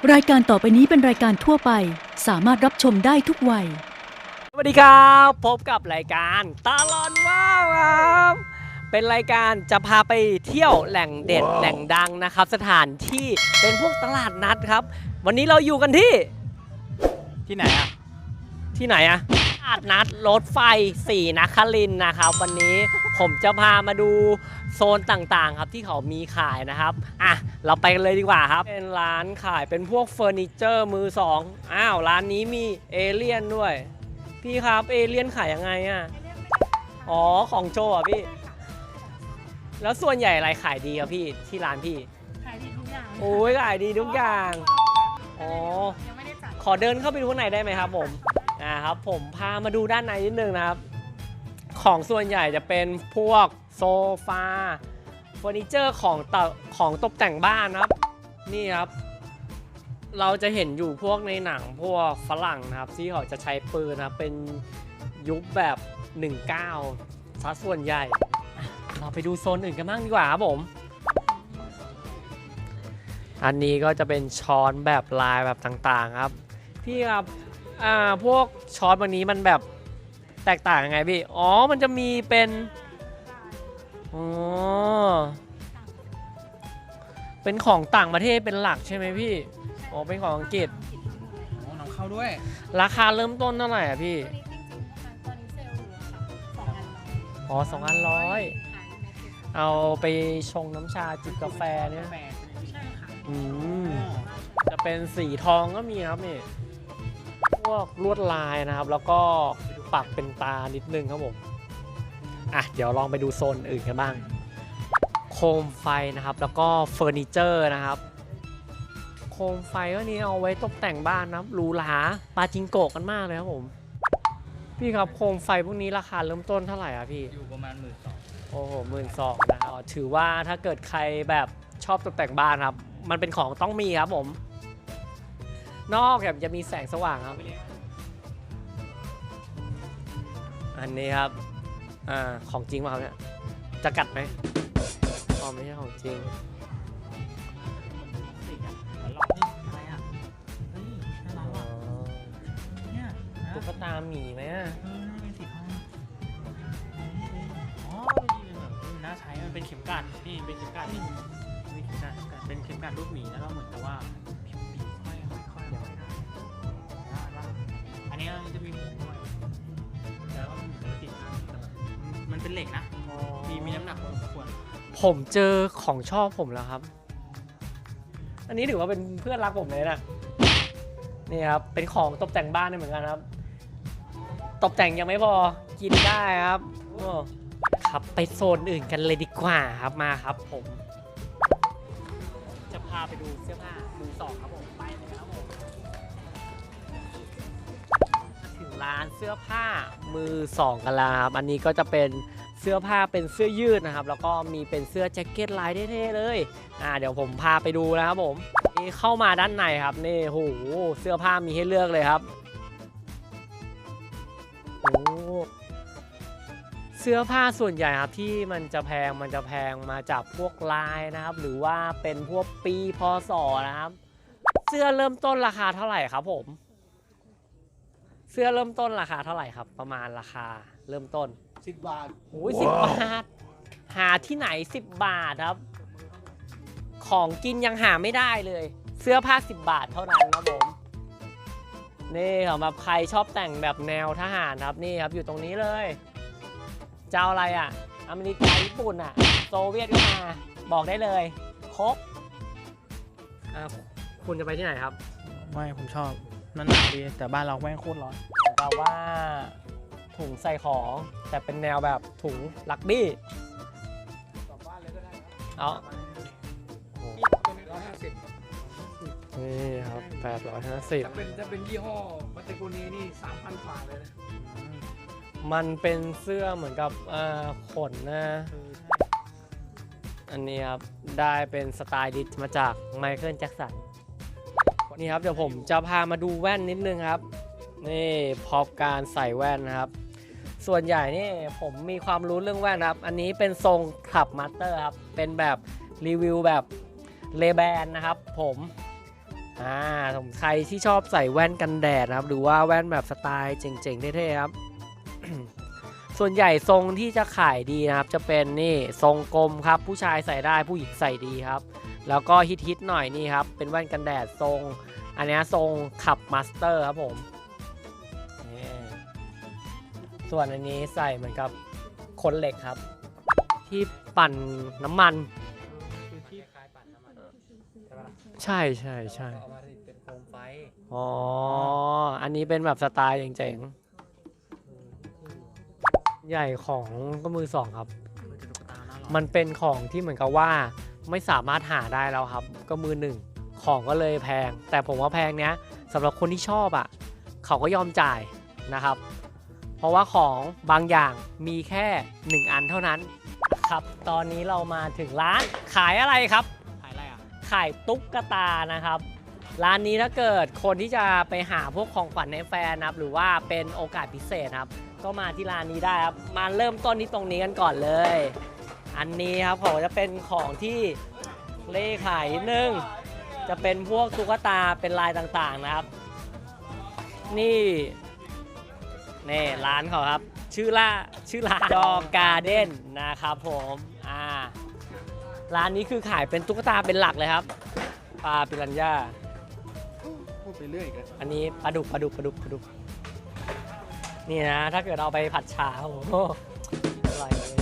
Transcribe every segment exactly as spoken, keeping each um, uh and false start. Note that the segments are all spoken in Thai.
รายการต่อไปนี้เป็นรายการทั่วไปสามารถรับชมได้ทุกวัยสวัสดีครับพบกับรายการตลอดว้าวครับเป็นรายการจะพาไปเที่ยวแหล่งเด็ด wow. แหล่งดังนะครับสถานที่เป็นพวกตลาดนัดครับวันนี้เราอยู่กันที่ที่ไหนอะที่ไหนอะตลาดนัดรถไฟศรีนครินทร์นะครับวันนี้ผมจะพามาดูโซนต่างๆครับที่เขามีขายนะครับอ่ะเราไปกันเลยดีกว่าครับเป็นร้านขายเป็นพวกเฟอร์นิเจอร์มือสองอ้าวร้านนี้มีเอเลี่ยนด้วยพี่ครับเอเลี่ยนขายยังไงอ่ะอ๋อของโจอ่ะพี่แล้วส่วนใหญ่อะไรขายดีครับพี่ที่ร้านพี่ขายดีทุกอย่างโอ้ยขายดีทุกอย่างอ๋อยังไม่ได้จัดขอเดินเข้าไปดูข้างในได้ไหมครับผมอ่าครับผมพามาดูด้านในนิดนึงนะครับของส่วนใหญ่จะเป็นพวกโซฟาเฟอร์นิเจอร์ของตของตกแต่งบ้านนะครับนี่ครับเราจะเห็นอยู่พวกในหนังพวกฝรั่งนะครับที่เขาจะใช้ปืนนะเป็นยุคแบบหนึ่งเก้าซะส่วนใหญ่เราไปดูโซนอื่นกันบ้างดีกว่าครับผมอันนี้ก็จะเป็นช้อนแบบลายแบบต่างๆครับพี่ครับอ่าพวกช้อนวันนี้มันแบบแตกต่างยังไงพี่อ๋อมันจะมีเป็นอ๋อเป็นของต่างประเทศเป็นหลักใช่ไหมพี่อ๋อเป็นของอังกฤษอ๋อนำเข้าด้วยราคาเริ่มต้นเท่าไหร่อ่ะพี่อ๋อสองพันร้อยเอาไปชงน้ำชาจิบกาแฟเนี่ยอืมจะเป็นสีทองก็มีครับนี่พวกลวดลายนะครับแล้วก็ปักเป็นตานิดนึงครับผมอ่ะเดี๋ยวลองไปดูโซนอื่นกันบ้างโคมไฟนะครับแล้วก็เฟอร์นิเจอร์นะครับโคมไฟก็นี้เอาไว้ตกแต่งบ้านนะหรูหราปาจิงโกะกันมากเลยครับผมพี่ครับโคมไฟพวกนี้ราคาเริ่มต้นเท่าไหร่ครับพี่อยู่ประมาณหมื่นสองโอ้โหหมื่นสองนะครับถือว่าถ้าเกิดใครแบบชอบตกแต่งบ้านครับมันเป็นของต้องมีครับผมนอกจากจะมีแสงสว่างครับอันนี้ครับอ่าของจริงป่ะครับเนี่ยจะกัดไหมอ๋อไม่ใช่ของจริงตุ๊กตาหมีไหมอ่ะเป็นสีทองอ๋อนี่เป็นแบบน่าใช้มันเป็นเข็มกลัดนี่เป็นเข็มกลัดนี่เป็นเข็มกลัดเป็นเข็มกลัดรูปหมีแล้วก็เหมือนกับว่าค่อยๆค่อยๆค่อยๆอันนี้จะมีหูด้วยแล้วก็มีติดมันเป็นเหล็กนะมีมีน้ำหนักพอสมควรผมเจอของชอบผมแล้วครับอันนี้ถือว่าเป็นเพื่อนรักผมเลยนะนี่ครับเป็นของตกแต่งบ้านได้เหมือนกันครับตกแต่งยังไม่พอกินได้ครับครับไปโซนอื่นกันเลยดีกว่าครับมาครับผมจะพาไปดูเสื้อผ้ามือสองครับผมไปเลยครับผมถึงร้านเสื้อผ้ามือสองกันแล้วครับอันนี้ก็จะเป็นเสื้อผ้าเป็นเสื้อยืดนะครับแล้วก็มีเป็นเสื้อแจ็คเก็ตลายเท่ๆเลยอ่าเดี๋ยวผมพาไปดูนะครับผมนี่เข้ามาด้านในครับนี่โหเสื้อผ้ามีให้เลือกเลยครับโอ้เสื้อผ้าส่วนใหญ่ครับที่มันจะแพงมันจะแพงมาจากพวกลายนะครับหรือว่าเป็นพวกปีพศนะครับเสื้อเริ่มต้นราคาเท่าไหร่ครับผมเสื้อเริ่มต้นราคาเท่าไหร่ครับประมาณราคาเริ่มต้นสิบบาทโอ้ยสิบบาทหาที่ไหนสิบบาทครับของกินยังหาไม่ได้เลยเสื้อผ้าสิบบาทเท่านั้นครับผมนี่สำหรับใครชอบแต่งแบบแนวทหารครับนี่ครับอยู่ตรงนี้เลยเจ้าอะไรอ่ะอเมริกาญี่ปุ่นอ่ะโซเวียตก็มาบอกได้เลยครบอ่าคุณจะไปที่ไหนครับไม่ผมชอบนั่นหนาวดีแต่บ้านเราแม่งโคตรร้อนแปลว่าถุงใส่ของแต่เป็นแนวแบบถุงลักบี้กลับบ้านเลยก็ได้เอานี่ครับแปดร้อยห้าสิบจะเป็นจะเป็นยี่ห้อมัตเตโกนีนี่สามพันกว่าเลยนะมันเป็นเสื้อเหมือนกับขนนะอันนี้ครับได้เป็นสไตล์ดิสมาจากไมเคิลแจ็คสันนี่ครับเดี๋ยวผมจะพามาดูแว่นนิดนึงครับนี่พอการใส่แว่นนะครับส่วนใหญ่นี่ผมมีความรู้เรื่องแว่นครับอันนี้เป็นทรงคลับมาสเตอร์ครับเป็นแบบรีวิวแบบเลแบนนะครับผมอ่าผมใครที่ชอบใส่แว่นกันแดดนะครับหรือว่าแว่นแบบสไตล์เจ๋งๆเท่ๆครับ ส่วนใหญ่ทรงที่จะขายดีนะครับจะเป็นนี่ทรงกลมครับผู้ชายใส่ได้ผู้หญิงใส่ดีครับแล้วก็ฮิตๆหน่อยนี่ครับเป็นแว่นกันแดดทรงอันนี้ทรงขับมาสเตอร์ครับผมนี่ส่วนอันนี้ใส่เหมือนกับคนเหล็กครับที่ปั่นน้ำมันคือที่คล้ายปั่นน้ำมันใช่ปะใช่ใช่ใช่เอามาเป็นโคมไฟอ๋ออันนี้เป็นแบบสไตล์เจ๋งๆใหญ่ของก็มือสองครับมันจะตุ๊กตาหน้าหรอมันเป็นของที่เหมือนกับว่าไม่สามารถหาได้แล้วครับ ก็มือหนึ่งของก็เลยแพง แต่ผมว่าแพงเนี้ยสำหรับคนที่ชอบอ่ะเขาก็ยอมจ่ายนะครับ เพราะว่าของบางอย่างมีแค่หนึ่งอันเท่านั้นครับตอนนี้เรามาถึงร้านขายอะไรครับขายอะไรอ่ะขายตุ๊กตานะครับร้านนี้ถ้าเกิดคนที่จะไปหาพวกของขวัญให้แฟนนะครับหรือว่าเป็นโอกาสพิเศษครับก็มาที่ร้านนี้ได้ครับมาเริ่มต้นที่ตรงนี้กันก่อนเลย อันนี้ครับผมจะเป็นของที่เล่ขายนิดนึงจะเป็นพวกตุ๊กตาเป็นลายต่างๆนะครับนี่นี่ร้านเขาครับชื่อล่าชื่อร้านดอการ์เด้นนะครับผมอ่าร้านนี้คือขายเป็นตุ๊กตาเป็นหลักเลยครับปลาปิรันย่าพูดไปเรื่อยกันอันนี้ปลาดุกปลาดุกปลาดุกปลาดุกนี่นะถ้าเกิดเอาไปผัดชาโอ้โหอร่อยเลย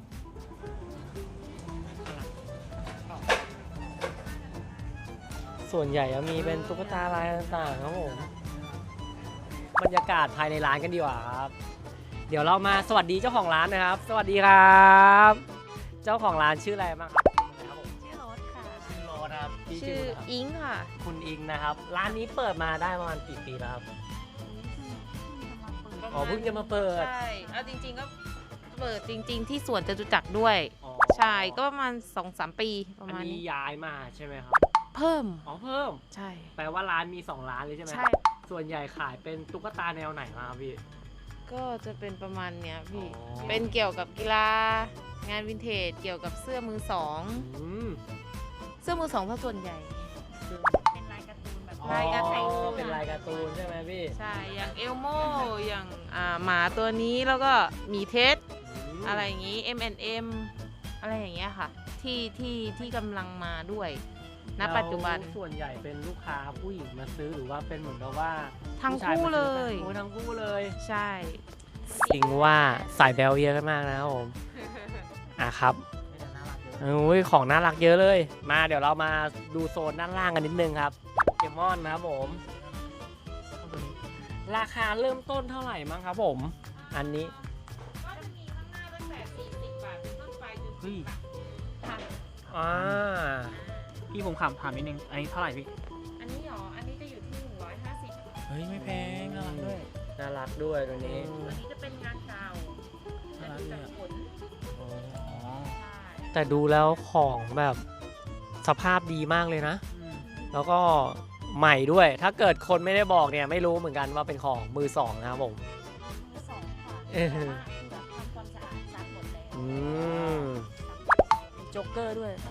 ส่วนใหญ่จะมีเป็นตุ๊กตาลายต่างๆครับผมบรรยากาศภายในร้านกันดีกว่าครับเดี๋ยวเรามาสวัสดีเจ้าของร้านนะครับ สวัสดีครับ เจ้าของร้านชื่ออะไรบ้างครับครับผมชื่อรถค่ะชื่อโรสครับพี่ชื่ออะไรครับอิงค่ะคุณอิงนะครับ ร้านนี้เปิดมาได้ประมาณกี่ปีแล้วครับ อ๋อเพิ่งจะมาเปิดใช่ เอาจริงๆก็เปิดจริง ๆ ที่สวนจตุจักรด้วยอ๋อใช่ ก็ประมาณสองสามปีประอันมาณนี้นี้ย้ายมาใช่ไหมครับเพิ่มอ๋อเพิ่มใช่แปลว่าร้านมีสองร้านเลยใช่ไหมใช่ส่วนใหญ่ขายเป็นตุ๊กตาแนวไหนมาครับพี่ก็จะเป็นประมาณเนี้ยพี่อ๋อเป็นเกี่ยวกับกีฬา งานวินเทจ เกี่ยวกับเสื้อมือสองอืมเสื้อมือสองถ้าส่วนใหญ่ เป็นลายการ์ตูนแบบอ๋อลายการ์ตูนเป็นลายการ์ตูนใช่ไหมพี่ใช่ อย่างเอลโมอย่างอ่าหมาตัวนี้แล้วก็หมีเท็ดมอะไรอย่างนี้ เอ็ม แอนด์ เอ็ม อะไรอย่างเงี้ยค่ะ ที่ที่ที่กำลังมาด้วย ณ ปัจจุบันแล้วส่วนใหญ่เป็นลูกค้าผู้หญิงมาซื้อหรือว่าเป็นเหมือนกับว่าทั้งผู้ชายคู่มาเลซื้อย กันโอ้ทั้งคู่เลยใช่จริงว่าสายแบลเยอะกันมากนะครับผม อ่ะครับไม่แต่น่ารักเยอะโอ้ยของน่ารักเยอะเลย มาเดี๋ยวเรามาดูโซนด้านล่างกันนิดนึงครับโปเกมอนนะครับผม ราคาเริ่มต้นเท่าไหร่มั้งครับผม อันนี้ก็จะมีข้างหน้าตั้งแต่สี่สิบบาทเป็นต้นไปจนเฮ้ยพันอ่าพี่ผมถามถามนิดนึง อันนี้เท่าไหร่พี่อันนี้หรอ อันนี้จะอยู่ที่หนึ่งร้อยห้าสิบเฮ้ย ไม่แพง น่ารักด้วยน่ารักด้วยตัวนี้ตัวนี้จะเป็นงานเก่าน่ารักจะเนี่ยขนอ๋อใช่แต่ดูแล้วของแบบสภาพดีมากเลยนะอืมแล้วก็ใหม่ด้วย ถ้าเกิดคนไม่ได้บอกเนี่ยไม่รู้เหมือนกันว่าเป็นของมือสองนะครับผมมือสองค่ะเออแต่ว่าคือแบบทำความสะอาดซักหมดแล้วอืมมีโจ๊กเกอร์ด้วยถ้า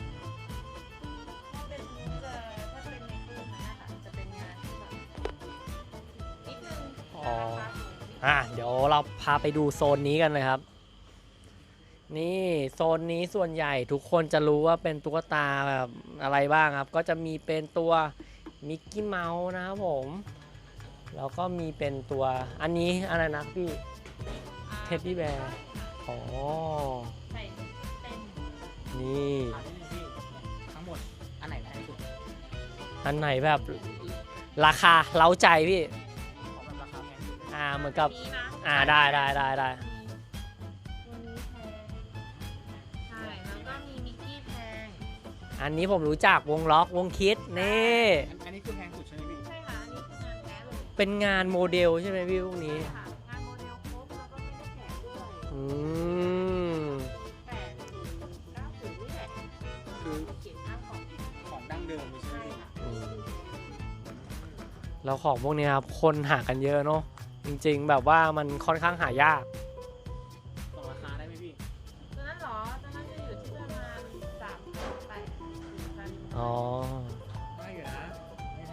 เป็นจะถ้าเป็นในตู้นั้นนะคะจะเป็นงานที่แบบนิดนึงอ๋อราคาสูงนิดนึงอ่ะเดี๋ยวเราพาไปดูโซนนี้กันเลยครับ นี่โซนนี้ส่วนใหญ่ทุกคนจะรู้ว่าเป็นตุ๊กตาแบบอะไรบ้างครับ ก็จะมีเป็นตัวมิกกี้เมาส์นะครับผม แล้วก็มีเป็นตัวอันนี้อะไรนะพี่เท็ดดี้แบร์อ๋อใส่เต็มนี่ถามนิดนึงพี่ ทั้งหมด อันไหนแพงสุดอันไหนแบบราคาเล้าใจพี่ของแบบราคาแพงสุดเลยอ่าเหมือนกับนี้นะอ่าได้ได้ได้ได้ตัวนี้แพงใช่ แล้วก็มีมิกกี้แพงอันนี้ผมรู้จักวงล็อกวงคิดนี่อันอันนี้คือแพงสุดใช่ไหมพี่ใช่ค่ะ อันนี้คืองานแท้เลยเป็นงานโมเดลใช่ไหมพี่พวกนี้ใช่ค่ะ งานโมเดลครบแล้วก็ไม่ได้แถมด้วยอืมแปดถึงเก้าถึงนี่แหละคือเขียนหน้าของของดั้งเดิมเลยใช่ไหมใช่พี่ค่ะอืมแล้วของพวกนี้ครับคนหากันเยอะเนาะจริงๆ แบบว่ามันค่อนข้างหายากส่งราคาได้ไหมพี่ตัวนั้นเหรอ ตัวนั้นจะอยู่ที่ประมาณสามพันแปดถึงพันอ๋อได้อยู่นะ ไม่แพ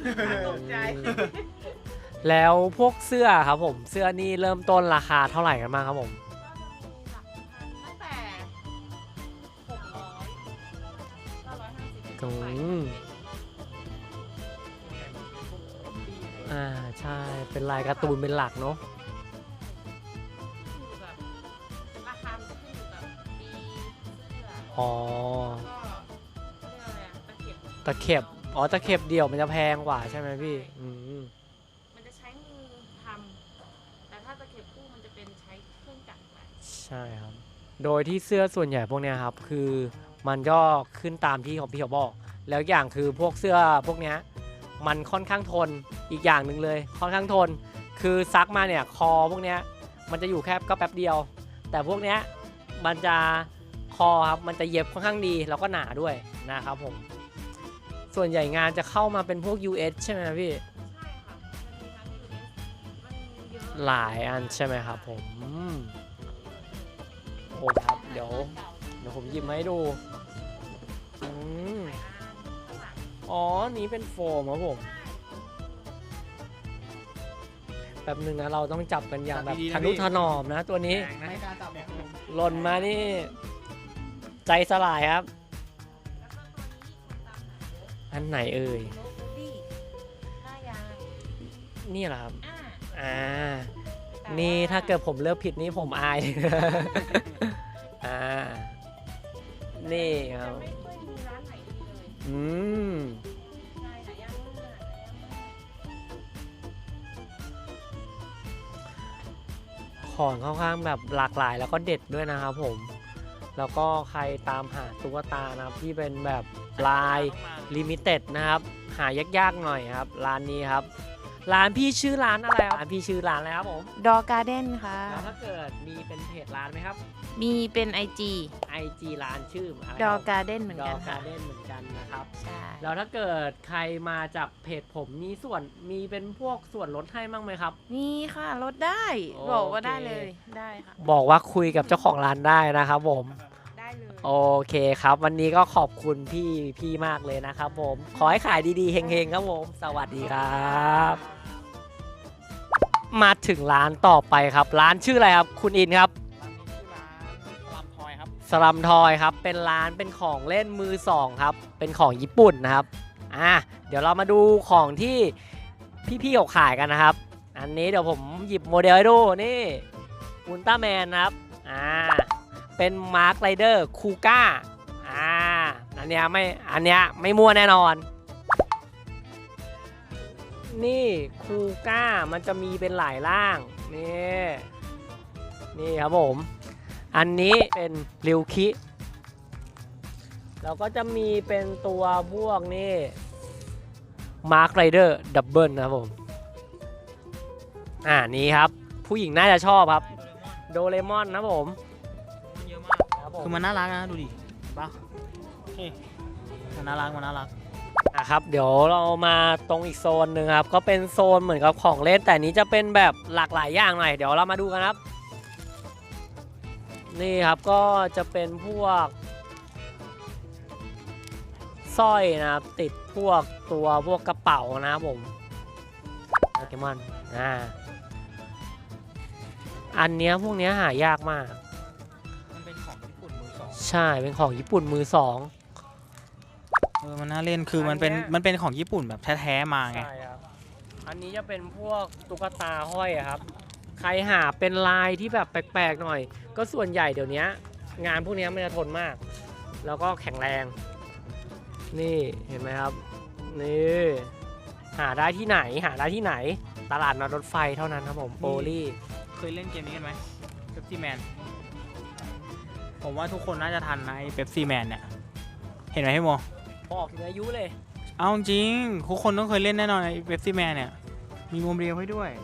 ตกใจแล้วพวกเสื้อครับผมเสื้อนี่เริ่มต้นราคาเท่าไหร่กันบ้างครับผมตั้งแต่หกร้อยเก้าร้อยห้าสิบอืมอ่าใช่เป็นลายการ์ตูนเป็นหลักเนาะอยู่แบบราคามันจะขึ้นอยู่กับปีเสื้ออ๋อแล้วก็เรียกอะไรอะตะเข็บตะเข็บอ๋อตะเข็บเดี่ยวมันจะแพงกว่าใช่ไหมพี่อืมมันจะใช้มือทำแต่ถ้าตะเข็บคู่มันจะเป็นใช้เครื่องจักรไปใช่ครับ โดยที่เสื้อส่วนใหญ่พวกเนี้ยครับคือมันก็ขึ้นตามที่ของพี่เขาบอก แล้วอย่างคือพวกเสื้อพวกเนี้ยมันค่อนข้างทนอีกอย่างหนึ่งเลยค่อนข้างทน คือซักมาเนี่ยคอพวกเนี้ยมันจะอยู่แค่ก็แป๊บเดียว แต่พวกเนี้ยมันจะคอครับมันจะเย็บค่อนข้างดีแล้วก็หนาด้วยนะครับผมส่วนใหญ่งานจะเข้ามาเป็นพวก ยู เอส ใช่ไหมพี่ใช่ค่ะมันมีทั้ง ยู เอส มันเยอะหลายอันใช่ไหมครับผมอืมโอ้ครับเดี๋ยวเดี๋ยวผมหยิบมาให้ดูอืมอ๋อนี้เป็นโฟมครับผมแป๊บหนึ่งนะเราต้องจับกันอย่างแบบทะนุถนอมนะตัวนี้ไม่กล้าจับแบบหล่นมานี่ใจสลายครับ อันไหนเอ่ยโลบูดี้หน้ายางนี่เหรอครับอ่าอ่าแต่นี่ว่ถ้าเกิดผมเลือกผิดนี่ผมอายเลยนะอ่า นี่คจะรับไม่ค่อยมีร้านไหนมีเลยอืมใช่หายากมากของค่อนข้างแบบหลากหลายแล้วก็เด็ดด้วยนะครับผม แล้วก็ใครตามหาตุ๊กตานะครับที่เป็นแบบลายลิมิเต็ดนะครับ หายากๆหน่อยครับ ร้านนี้ครับ ร้านพี่ชื่อร้านอะไรครับร้านพี่ชื่อร้านอะไรครับผมดอการ์เด้นค่ะแล้วถ้าเกิดมีเป็นเพจร้านไหมครับมีเป็น ไอ จีไอ จี ร้านชื่ออะไรดอคการ์เด้นเหมือนดกัอน กาค่ะเด้นเหมือนกันนะครับใช่แล้วถ้าเกิดใครมาจากเพจผมมีส่วนมีเป็นพวกส่วนลดให้บ้างไหมครับมีค่ะลดได้โอเคบอกว่าได้เลยได้ค่ะบอกว่าคุยกับเจ้าของร้านได้นะครับผมได้เลยโอเคครับ วันนี้ก็ขอบคุณพี่พี่มากเลยนะครับผม ขอให้ขายดีๆเฮงๆครับผม สวัสดีครับ มาถึงร้านต่อไปครับ ร้านชื่ออะไรครับ คุณอินครับร้านนี้ชื่อร้านสลัมทอยครับสลัมทอยครับ เป็นร้านเป็นของเล่นมือสองครับ เป็นของญี่ปุ่นนะครับ อ่ะ เดี๋ยวเรามาดูของที่พี่ๆเขาขายกันนะครับ อันนี้เดี๋ยวผมหยิบโมเดลให้ดู นี่อุลตร้าแมนนะครับ อ่า เป็นมาร์คไรเดอร์คูก้า อ่า อันเนี้ยไม่ อันเนี้ยไม่มั่วแน่นอน นี่คูก้ามันจะมีเป็นหลายร่าง นี่ นี่ครับผม อันนี้เป็นริวคิแล้วก็จะมีเป็นตัวพวกนี่มาร์คไรเดอร์ดับเบิลนะครับผม อ่านี่ครับ ผู้หญิงน่าจะชอบครับ โดเรมอนนะครับผมเยอะมากครับผมคือมันน่ารักนะดูดิเห็นปะนี่มันน่ารักมันน่ารักอ่ะครับ เดี๋ยวเรามาตรงอีกโซนหนึ่งครับ ก็เป็นโซนเหมือนกับของเล่น แต่อันนี้จะเป็นแบบหลากหลายอย่างหน่อย เดี๋ยวเรามาดูกันครับ นี่ครับก็จะเป็นพวกสร้อยนะครับ ติดพวกตัวพวกกระเป๋านะครับผมโปเกมอนอ่าอันเนี้ยพวกเนี้ยหายากมากมันเป็นของญี่ปุ่นมือสองใช่เป็นของญี่ปุ่นมือสองเออมันน่าเล่นคือมันเป็นอันเนี้ยมันเป็นของญี่ปุ่นแบบแท้ๆมาไงใช่ครับ อันนี้จะเป็นพวกตุ๊กตาห้อยอะครับ ใครหาเป็นลายที่แบบแปลกๆหน่อย ก็ส่วนใหญ่เดี๋ยวนี้งานพวกนี้มันจะทนมาก แล้วก็แข็งแรง นี่เห็นไหมครับ นี่หาได้ที่ไหนหาได้ที่ไหน ตลาดนัดรถไฟเท่านั้นครับผมโปลี่เคยเล่นเกมนี้กันไหมเ e ปซี่แมนผมว่าทุกคนน่าจะทันนะไอ้เ e ปซี่แมนเนี่ยเห็นไหมพี่โมพอออกถึงอายุเลยเอาจริงทุกคนต้องเคยเล่นแน่นอนไอ้เ e ปซี่แมนเนี่ยมีโมเดลให้ด้วย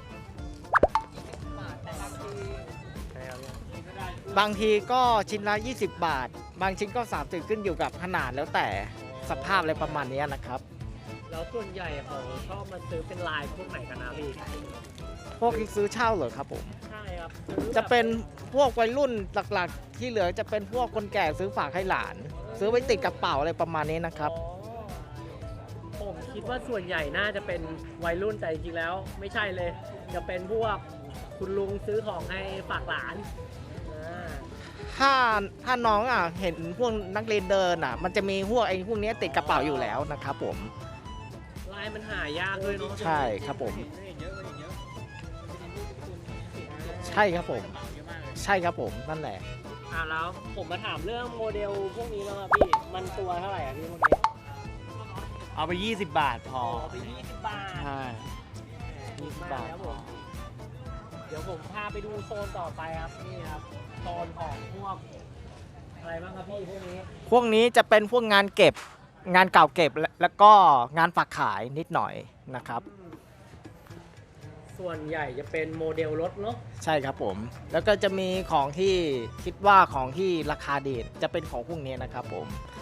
บางทีก็ชิ้นละ ยี่สิบบาท บางชิ้นก็สามสิบขึ้นอยู่กับขนาดแล้วแต่สภาพอะไรประมาณนี้นะครับแล้วส่วนใหญ่เขาชอบมาซื้อเป็นลายพวกไหนกันนะพี่พวกที่ซื้อเช่าเหรอครับผมใช่ครับซื้อแบบจะเป็นพวกวัยรุ่นหลักๆ ที่เหลือจะเป็นพวกคนแก่ซื้อฝากให้หลาน ซื้อไว้ติดกระเป๋าอะไรประมาณนี้นะครับอ๋อผมคิดคิดว่าส่วนใหญ่น่าจะเป็นวัยรุ่นแต่จริงๆแล้วไม่ใช่เลย จะเป็นพวกคุณลุงซื้อของให้ฝากหลานอ่าถ้าถ้าน้องอ่ะเห็นพวกนักเรียนเดินอ่ะ มันจะมีพวกไอ้พวกเนี้ยติดกระเป๋าอยู่แล้วนะครับผมลายมันหายากด้วยเนาะใช่ครับผม ใช่ครับผม ใช่ครับผมนั่นแหละอ่าแล้วผมมาถามเรื่องโมเดลพวกนี้แล้วครับพี่มันตัวเท่าไหร่อ่ะพี่พวกนี้เอาไป ยี่สิบบาทพอเอาไปยี่สิบบาทใช่ยี่สิบบาทครับผมเดี๋ยวผมพาไปดูโซนต่อไปครับนี่ครับโซนของพวกอะไรบ้างครับพี่พวกนี้พวกนี้จะเป็นพวกงานเก็บงานเก่าเก็บและแล้วก็งานฝากขายนิดหน่อยนะครับส่วนใหญ่จะเป็นโมเดลรถเนาะใช่ครับผม แล้วก็จะมีของที่คิดว่าของที่ราคาเด่นจะเป็นของพวกนี้นะครับผม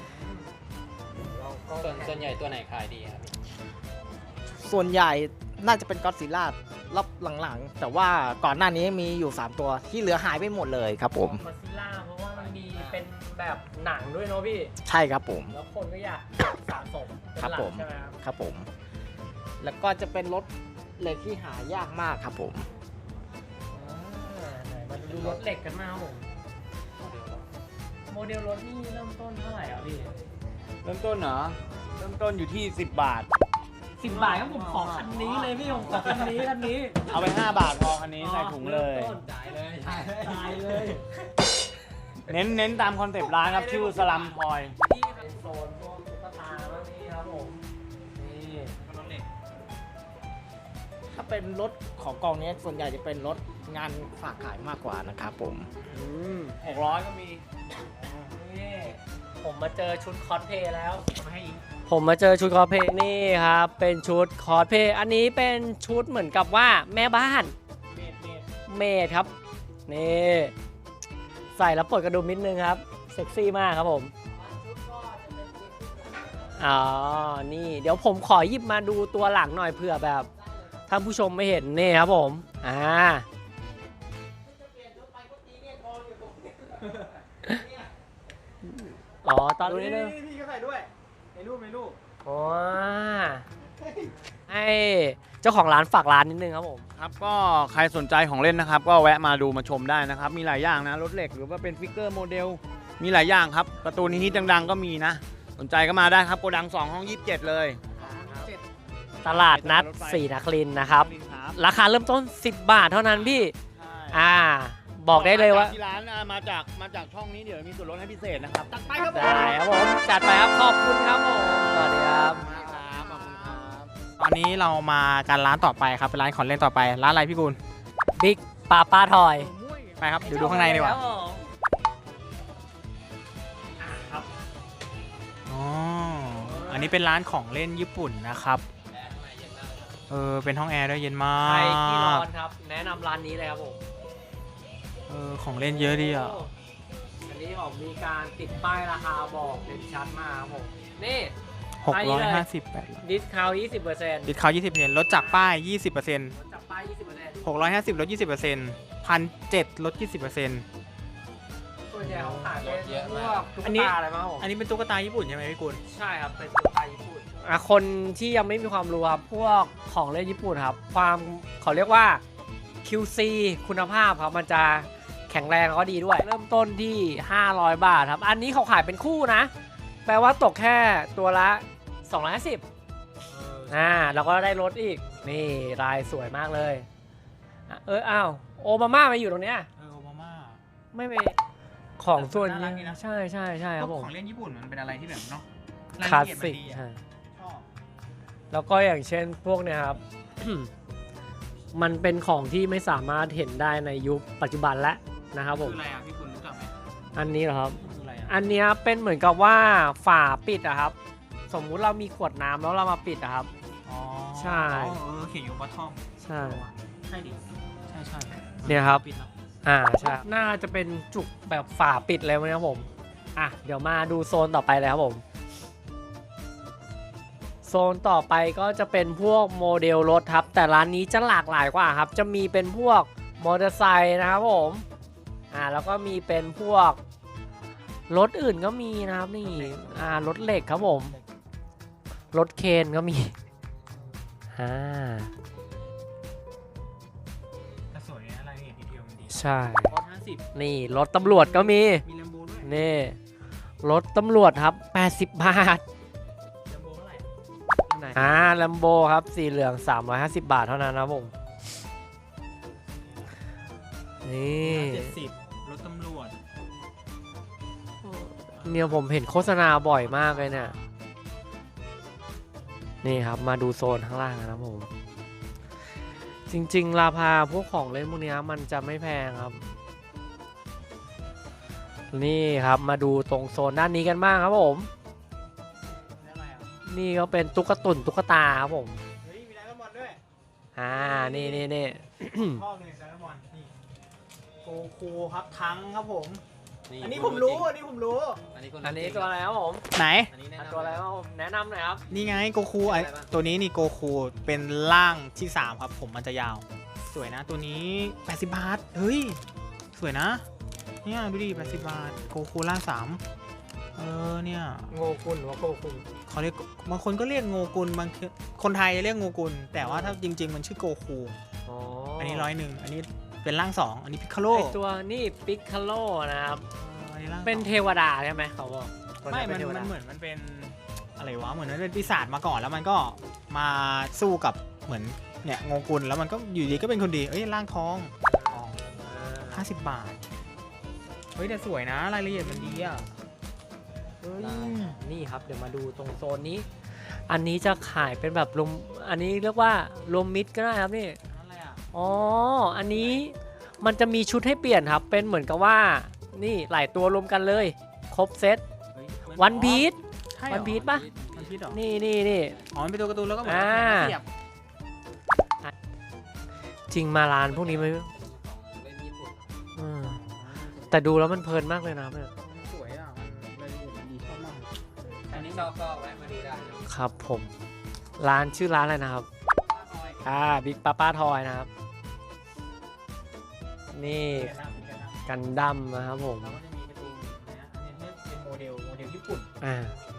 ส่วนส่วนใหญ่ตัวไหนขายดีครับส่วนใหญ่น่าจะเป็นก็อดซิลล่ารอบหลังๆ แต่ว่าก่อนหน้านี้มีอยู่ สาม ตัวที่เหลือหายไปหมดเลยครับผมมาซิล่าเพราะว่ามันมีเป็นแบบหนังด้วยเนาะพี่ใช่ครับผมแล้วคนก็อยากสะสมเป็นครับหลักผมใช่ไหมครับครับผม แล้วก็จะเป็นรถเหล็กที่หายากมากครับผมอ่าไหนมาดูรถเหล็กกันมาครับผมโมเดลรถนี่เริ่มต้นเท่าไหร่อ่ะพี่เริ่มต้นเหรอ เริ่มต้นอยู่ที่สิบบาทสิบบาทครับผมขอคันนี้เลยพี่ผมขอคันนี้คันนี้เอาไปห้าบาทพอคันนี้ใส่ถุงเลยริ่มต้นจ่ายเลยจ่ายเลยเน้นเน้นตามคอนเซปต์ร้านครับชื่อสลัมพอยนี่เป็นโซนพวกตุ๊กตาแล้วนี่ครับผมนี่รถเหล็กถ้าเป็นรถของกองนี้ส่วนใหญ่จะเป็นรถงานฝากขายมากกว่านะครับผมอืมหกร้อยก็มีนี่ผมมาเจอชุดคอสเพลย์แล้วผมมาเจอชุดคอสเพลย์นี่ครับเป็นชุดคอสเพลย์อันนี้เป็นชุดเหมือนกับว่าแม่บ้านเมดครับนี่ใส่แล้วปลดกระดุมนิดนึงครับเซ็กซี่มากครับผมอ๋อนี่เดี๋ยวผมขอหยิบมาดูตัวหลังหน่อยเผื่อแบบท่านผู้ชมไม่เห็นนี่ครับผมอ่าอ๋อตอนนี้พี่ก็ใส่ด้วยในรูปในรูปอ๋อให้เจ้าของร้านฝากร้านนิดนึงครับผมครับก็ใครสนใจของเล่นนะครับ ก็แวะมาดูมาชมได้นะครับ มีหลายอย่างนะรถเหล็กหรือว่าเป็นฟิกเกอร์โมเดลมีหลายอย่างครับการ์ตูนฮิตๆดังๆก็มีนะ สนใจก็มาได้ครับโกดังสองห้องยี่สิบเจ็ดเลยตลาดนัดศรีนครินทร์นะครับ ราคาเริ่มต้นสิบบาทเท่านั้นพี่ อ่า บอกได้เลยว่าที่ร้านอ่ะมาจากมาจากช่องนี้เดี๋ยวมีส่วนลดให้พิเศษนะครับตัดไปครับผมได้ครับผมจัดไปครับขอบคุณครับผมสวัสดีครับครับขอบคุณครับตอนนี้เรามากันร้านต่อไปครับเป็นร้านของเล่นต่อไปร้านอะไรพี่กุลบิ๊กปาป้าทอยไปครับเดี๋ยวดูข้างในดีกว่าครับอ๋ออันนี้เป็นร้านของเล่นญี่ปุ่นนะครับเออเป็นห้องแอร์ด้วยเย็นมาใครที่ร้กอนครับ แนะนำร้านนี้เลยครับผมเออของเล่นเยอะดีอ่ะอันนี้ผมมีการติดป้ายราคาบอกเด่นชัดมากครับผม นี่หกร้อยห้าสิบแปดดิสคาวยี่สิบเปอร์เซ็นต์ดิสคาวยี่สิบเปอร์เซ็นต์ลดจากป้ายยี่สิบเปอร์เซ็นต์จับป้ายยี่สิบเปอร์เซ็นต์หกร้อยห้าสิบลดยี่สิบเปอร์เซ็นต์พันเจ็ดลดยี่สิบเปอร์เซ็นต์ส่วนใหญ่เขาขายเป็นเยอะพมากวกตุ๊กอันนี้ตาอะไรมาครับผมอันนี้เป็นตุ๊กตาญี่ปุ่นใช่ไหมพี่กุลใช่ครับ เป็นตุ๊กตาญี่ปุ่นอ่ะคนที่ยังไม่มีความรู้ครับ พวกของเล่นญี่ปุ่นครับ ความเขาเรียกว่า คิว ซี คุณภาพครับ มันจะแข็งแรงแล้วก็ดีด้วย เริ่มต้นที่ ห้าร้อย บาทครับ อันนี้เขาขายเป็นคู่นะ แปลว่าตกแค่ตัวละ สองร้อยห้าสิบ อ่าแล้วก็ได้รถอีก นี่ลายสวยมากเลยอ่ะเอออ้าวโอบามามาอยู่ตรงเนี้ยเออโอบามาไม่ไปของส่วนน่ารันี้กดีนะใช่ใช่ใช่ครับผมของเล่นญี่ปุ่นมันเป็นอะไรที่แบบเนาะคลาสสิกรายละเอียดมันดีอะใช่ชอบแล้วก็อย่างเช่นพวกเนี้ยครับ มันเป็นของที่ไม่สามารถเห็นได้ในยุคปัจจุบันแล้วนะครับผมคืออะไรอ่ะพี่กุลรู้จักไหมอันนี้เหรอครับคืออะไรอ่ะอันเนี้ยเป็นเหมือนกับว่าฝาปิดอะครับ สมมุติเรามีขวดน้ำแล้วเรามาปิดอะครับอ๋อใช่เออเขียนอยู่บอททอมใช่ใช่ดิใช่ใช่เนี่ยครับปิดแล้วอ่าใช่น่าจะเป็นจุกแบบฝาปิดเลยนะครับผมอ่ะเดี๋ยวมาดูโซนต่อไปเลยครับผมโซนต่อไปก็จะเป็นพวกโมเดลรถครับแต่ร้านนี้จะหลากหลายกว่าครับจะมีเป็นพวกมอเตอร์ไซค์นะครับผมอ่าแล้วก็มีเป็นพวกรถอื่นก็มีนะครับนี่อ่ารถเหล็กครับผมรถเคนก็มีอ่าแต่สวยนะรายละเอียดดีเทลมันดีใช่ร้อยห้าสิบนี่รถตำรวจก็มีมีแลมโบด้วยนี่รถตำรวจครับ แปดสิบบาทแลมโบเท่าไหร่อ่าแลมโบครับสีเหลือง สามร้อยห้าสิบ บาทเท่านั้นนะครับผม นี่เจ็ดสิบรถตำรวจเนี่ยผมเห็นโฆษณาบ่อยมากเลยเนี่ย นี่ครับมาดูโซนข้างล่างนะครับผม จริงๆ ราคาพวกของเล่นพวกนี้มันจะไม่แพงครับ นี่ครับมาดูตรงโซนด้านนี้กันบ้างครับผมอะไรอ่ะนี่ก็เป็นตุ๊กตุ่นตุ๊กตาครับผมเฮ้ยมีไดร์บอลด้วยอ่า นี่นี่นี่ชอบเลยไดร์บอลนี่โกคูครับทั้งครับผมนี่อันนี้ผมรู้ อันนี้ผมรู้อันนี้อันนี้ตัวอะไรครับผมไหนอันนี้แนะอ่ะนำตัวอะไรครับผมแนะนำหน่อยครับนี่ไงโกคูไอตัวนี้นี่โกคูเป็นร่างที่สามครับผมมันจะยาว สวยนะตัวนี้แปดสิบบาท เฮ้ย สวยนะ เนี่ยดูดิแปดสิบบาทโกคูร่างสามเออเนี่ยโงกุลหรือว่าโกกุลเขาเรียกบางคนก็เรียกโงกุลบางคนไทยเรียกโงกุลแต่ว่าถ้าจริง ๆ มันชื่อโกคูอ๋ออัอันนี้ร้อยหนึ่งอันนี้เป็นร่างสองอันนี้พิคาโลไอตัวนี่ปิกคาโลนะครับอันนี้ร่างสองเป็นเทวดาใช่ไหมเขาบอกตัวไม่เป็มันเทวมัดานเหมือนมันเป็นอะไรวะ เหมือนมันเป็นปีศาจมาก่อนแล้วมันก็มาสู้กับเหมือนเนี่ยโงกุลแล้วมันก็อยู่ดีก็เป็นคนดี เอ้ยร่างทองทองห้าสิบบาท เฮ้ยแต่สวยนะรายละเอียดมันดีอ่ะเฮ้ยนี่ครับเดี๋ยวมาดูตรงโซนนี้ อันนี้จะขายเป็นแบบรวมอันนี้เรียกว่ารวมมิตรก็ได้ครับนี่นั่นอะไรอ่ะอ๋อ อันนี้มันจะมีชุดให้เปลี่ยนครับ เป็นเหมือนกับว่า นี่หลายตัวรวมกันเลย ครบเซตเฮ้ยวันพีชใช่เหรอวันพีชปะวันพีชเหรอนี่นี่นี่อ๋อมันเป็นตัวการ์ตูนแล้วก็เหมือนอ่าแขนเสียบจริงมาร้านพวกนี้ไหมอืมแต่ดูแล้วมันเพลินมากเลยนะเนี่ยมันสวยอ่ะมันรายละเอียดมันดีชอบมากอันนี้ชอบก็แวะมาดูได้นะครับผม ร้านชื่อร้านอะไรนะครับ อ่าบิ๊กป้าป้าทอยนะครับ นี่เดี๋ยวนะเดี๋ยวนะกันดั้มนะครับผมเราก็จะมีการ์ตูนนะอันนี้เป็นโมเดลโมเดลญี่ปุ่นอ่า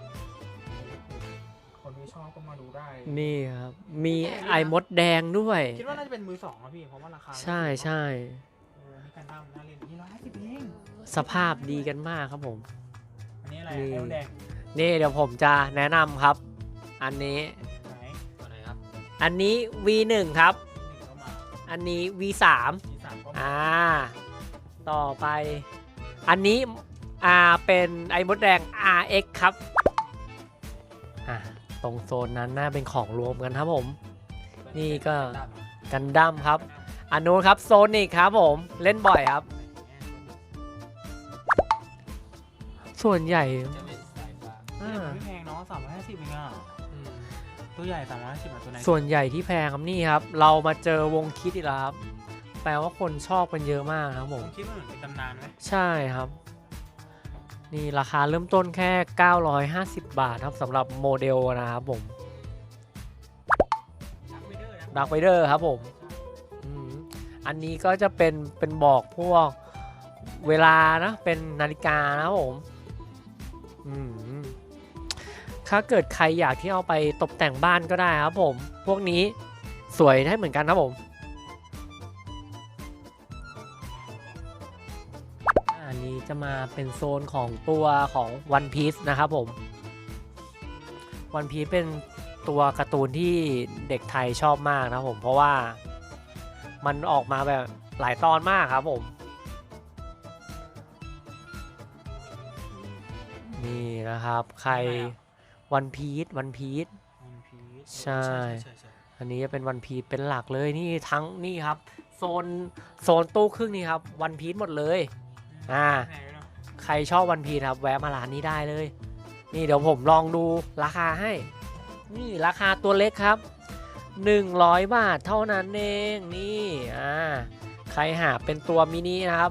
คนที่ชอบก็มาดูได้นี่ครับ มีไอมดแดงด้วยคิดว่าน่าจะเป็นมือสองนะพี่ เพราะว่าราคาใช่ใช่เออมีการทำน่าเล่นนี่ร้อยห้าสิบเองสภาพดีกันมากครับผมอันนี้อะไรนี่ไอ้แดงนี่เดี๋ยวผมจะแนะนำครับ อันนี้ไหนตัวไหนครับอันนี้ วี หนึ่ง ครับหนึ่งเข้ามาอันนี้ วี สามมีสามเข้ามาอ่า ต่อไป อันนี้ อ่า เป็นไอมดแดง อาร์ เอ็กซ์ ครับ อ่า ตรงโซนนั้นน่าเป็นของรวมกันครับผม นี่ก็กันดั้มครับ อันนู้นครับโซนิกครับผม เล่นบ่อยครับ ส่วนใหญ่จะเป็นสายฟ้าอ่าไม่แพงเนาะสามร้อยห้าสิบเองอ่ะตัวใหญ่สามร้อยห้าสิบอ่ะตัวไหนส่วนใหญ่ที่แพงครับนี่ครับ เรามาเจอวงคิดอีกแล้วครับ แปลว่าคนชอบกันเยอะมากครับผผม มคิดว่าเหมือนเป็นตำนานไหมใช่ครับ นี่ราคาเริ่มต้นแค่ เก้าร้อยห้าสิบ บาทครับสำหรับโมเดลนะครับผมชักไวเดอร์นะดักไวเดอร์ครับผมอืมอันนี้ก็จะเป็นเป็นบอกพวกเวลานะ เป็นนาฬิกานะครับผมอืมถ้าเกิดใครอยากที่เอาไปตกแต่งบ้านก็ได้ครับผม พวกนี้สวยได้เหมือนกันครับผม อันนี้จะมาเป็นโซนของตัวของ One Piece นะครับผม One Piece เป็นตัวการ์ตูนที่เด็กไทยชอบมากนะครับผม เพราะว่ามันออกมาแบบหลายตอนมากครับผม นี่นะครับ ใคร One Piece One Piece ใช่ อันนี้จะเป็น One Piece เป็นหลักเลยนี่ทั้งนี่ครับ โซนโซนตู้ครึ่งนี่ครับ One Piece หมดเลย อ่า ใครชอบวันพีชครับแวะมาร้านนี้ได้เลย นี่เดี๋ยวผมลองดูราคาให้ นี่ราคาตัวเล็กครับหนึ่งร้อยบาทเท่านั้นเองนี่อ่าใครหาเป็นตัวมินินะครับ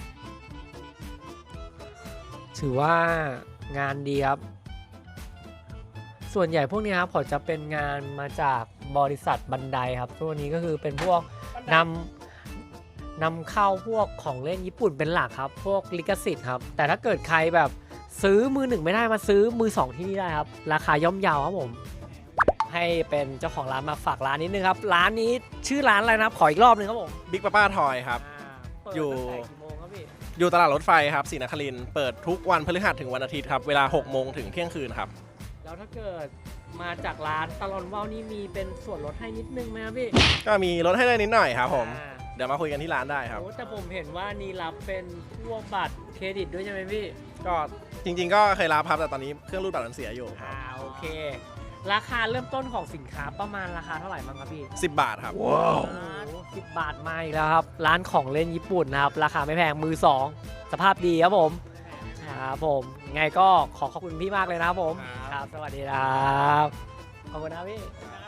ถือว่างานดีครับ ส่วนใหญ่พวกนี้ครับเขาจะเป็นงานมาจากบริษัทบันไดครับตัวนี้ก็คือเป็นพวกนำนำเข้าพวกของเล่นญี่ปุ่นเป็นหลักครับ พวกลิขสิทธิ์ครับ แต่ถ้าเกิดใครแบบซื้อมือหนึ่งไม่ได้มาซื้อมือสองที่นี่ได้ครับ ราคาย่อมเยาวครับผม แพให้เป็นเจ้าของร้านมาฝากร้านนิดนึงครับร้านนี้ชื่อร้านอะไรนะครับขออีกรอบนึงครับผมบิ๊กป้าป้าทอยครับอ่าเปิดอยู่ตั้งแต่กี่โมงครับพี่อยู่ตลาดรถไฟครับศรีนครินทร์เปิดทุกวันพฤหัสถึงวันอาทิตย์ครับ เวลาหกโมงถึงเที่ยงคืนครับแล้วถ้าเกิดมาจากร้านตลอนว่าวนี่มีเป็นส่วนลดให้นิดนึงไหมครับพี่ก็มีลดให้ได้นิดหน่อยครับผมอ่าเดี๋ยวมาคุยกันที่ร้านได้ครับโอ้แต่ผมเห็นว่านี่รับเป็นพวกบัตรเครดิตด้วยใช่ไหมพี่ก็จริงๆ ก็เคยรับครับแต่ตอนนี้เครื่องรูดบัตรมันเสียอยู่ครัอ่าบโอเค ราคาเริ่มต้นของสินค้าประมาณราคาเท่าไหร่บ้างครับพี่สิบบาทครับสิบบาทมาอีกแล้วครับ ร้านของเล่นญี่ปุ่นนะครับ ราคาไม่แพงมือสองสภาพดีครับผมครับผมไงก็ขอขอบคุณพี่มากเลยนะครับผมครับครับ สวัสดีครับขอบคุณนะพี่ครับ